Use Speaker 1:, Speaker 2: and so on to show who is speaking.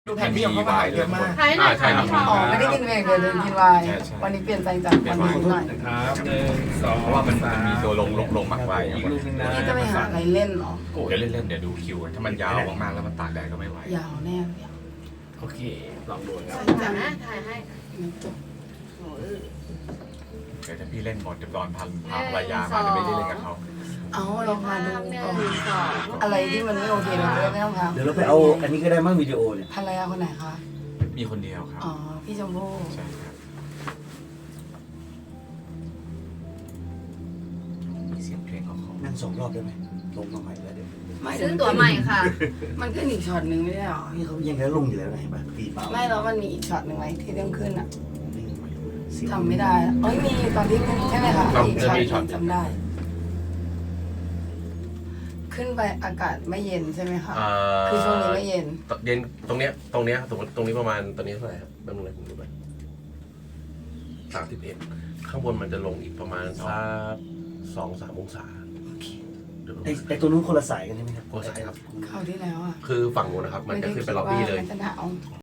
Speaker 1: ดูแผนที่ของเขามาเยอะมาก
Speaker 2: ใช่ไหม
Speaker 3: ใช่ครับ
Speaker 2: อ๋อไม่ได้กินเองเลยเดินกินไวน์
Speaker 3: ใช่
Speaker 2: วันนี้เปลี่ยนใจจากวันนี้หน่อย
Speaker 4: ครับ1 2
Speaker 3: เพราะว่ามันมีตัวลงมากไป
Speaker 4: อีกลูกนึงนะ
Speaker 2: พี่จะไปหาอะไรเล่นเหรอ
Speaker 3: เดี๋ยวเล่นๆเดี๋ยวดูคิว ถ้ามันยาวมากๆแล้วมันตากแดดก็ไม่ไหวย
Speaker 2: าวแน่เลย
Speaker 4: โอเคลองดูครับ
Speaker 2: จัง
Speaker 1: ถ่ายให้
Speaker 3: เดี๋ยวถ้าพี่เล่นหมดเดี๋ยวตอนพาภรรยามาจะไม่ได้เล่นกับเขา
Speaker 2: เอาเรามาดู
Speaker 1: 1 2
Speaker 2: อะไรที่มันไม่โอเคเราจะได้ไม่ต้องท
Speaker 5: เดี๋ยวเราไปเอาอันนี้ก็ได้มั้งวิดีโอเนี่ย
Speaker 2: ำภรรยาคนไหนคะ
Speaker 3: มีคนเดียวครับ
Speaker 2: อ๋อพี่ชมพู่
Speaker 3: ใช่ครับมีเสียงเพลงเขาขอ
Speaker 5: นั่ง2 รอบได้ไหมลงมาใหม่แล้วเดี๋ยว
Speaker 2: ไม่
Speaker 1: ซื้อตั๋วใหม่ค่ะ
Speaker 2: มันขึ้นอีกช็อตหนึ่งไม่ใช่หรอ
Speaker 5: นี่เขายังแค่ลงอยู่แล้วนะเห็นป่ะตีเปล่า
Speaker 2: ไม่แล้วมันมีอีกช็อตหนึ่งไหมที่ต้องขึ้นอ่ะ
Speaker 5: เสียง
Speaker 2: จำไม่ได้อะเอ้ยมีตอนที่ขึ้นใช่ไหมคะอีกช็อตหนึ่งจำได้ ขึ้นไปอากาศไม่เย็นใช่ไหมคะคือช่วงนี้ไม่เย็น
Speaker 6: เย็นตรงเนี้ยตรงนี้ประมาณตอนนี้เท่าไหร่ครับแป๊บนึงเลยผมดูไป31ข้างบนมันจะลงอีกประมาณสัก2-3 องศาเดี๋ยวดู
Speaker 5: ไอ้ตัวนู้นคนละสายกันใช่ไหมครับ
Speaker 6: คนละสายครับ
Speaker 2: คราวที่แล้วอ่ะ
Speaker 6: คือฝั่งนู้นนะครับ มันจะขึ้นไปล็อบบี้เลย
Speaker 2: มันจะหนาว